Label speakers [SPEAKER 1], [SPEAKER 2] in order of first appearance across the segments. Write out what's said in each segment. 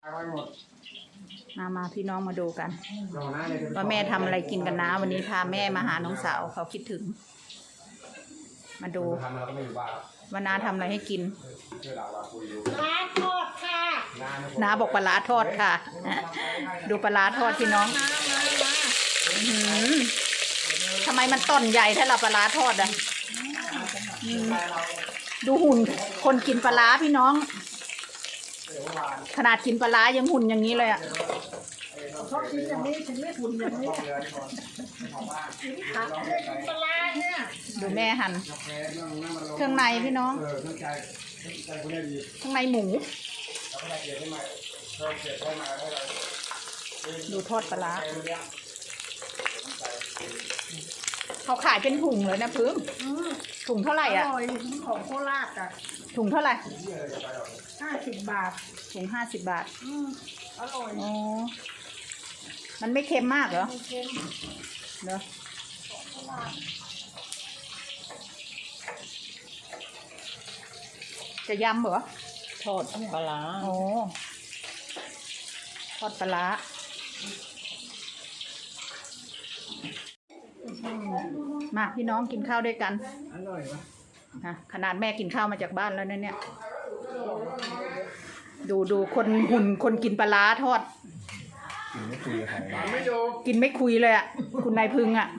[SPEAKER 1] มาพี่น้องมาดูกันว่าแม่ทำอะไรกินกันนะวันนี้พาแม่มาหาน้องสาวเขาคิดถึงมาดูว่าน้าทำอะไรให้กิน
[SPEAKER 2] ปลาทอดค่ะ
[SPEAKER 1] น้าบอกปลาร้าทอดค่ะดูปลาร้าทอดพี่น้องทำไมมันต้นใหญ่ถ้าเราปลาร้าทอดอ่ะดูหุ่นคนกินปลาร้าพี่น้องขนาดกินปลาร้ายังหุ่นอย่างนี้เลยอ่ะ
[SPEAKER 2] ชอบกินอย่างนี้ถึงไม่หุ่นอย่างนี้ขาไม่กินปลาเนี่ย
[SPEAKER 1] ดูแม่หั่นเครื่องในพี่น้องข้างในหมูดูทอดปลาร้าเขาขายเป็นถุงเลยนะพึ่งถุงเท่าไหร่อ่ะ
[SPEAKER 2] ของโคราชอ่ะ
[SPEAKER 1] ถุงเท่าไหร่
[SPEAKER 2] 50 บาท
[SPEAKER 1] ถุง50 บาท
[SPEAKER 2] อร่อย
[SPEAKER 1] อ๋อมันไม่เค็มมากเหรอ
[SPEAKER 2] ไม่เค็ม
[SPEAKER 1] เนอะจะยำเหรอ
[SPEAKER 2] ทอดปลา
[SPEAKER 1] โอ้ทอดปลามาพี่น้องกินข้าวด้วยกัน
[SPEAKER 2] อร่อย
[SPEAKER 1] นะขนาดแม่กินข้าวมาจากบ้านแล้วเนี่ยดูคนหุ่นคนกินปลาทอดกินไม่คุยเลยอ่ะคุณนายพึงอ่ะ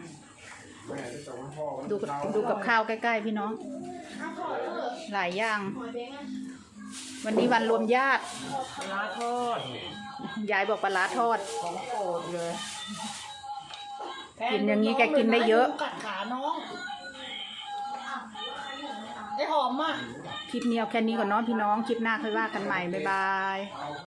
[SPEAKER 1] ดูกับข้าวใกล้ๆพี่น้องหลายอย่างวันนี้วันรวมญาติ
[SPEAKER 2] ปลาทอด
[SPEAKER 1] ยายบอกปลาทอด
[SPEAKER 2] ของโปรดเลย
[SPEAKER 1] กินอย่างนี้แกกินได้เยอะ
[SPEAKER 2] กัดขาน้องไอ้หอมอ่ะ
[SPEAKER 1] คลิปนี้เอาแค่นี้ก่อนเนาะพี่น้องคลิปหน้าค่อยว่ากันใหม่บ๊ายบาย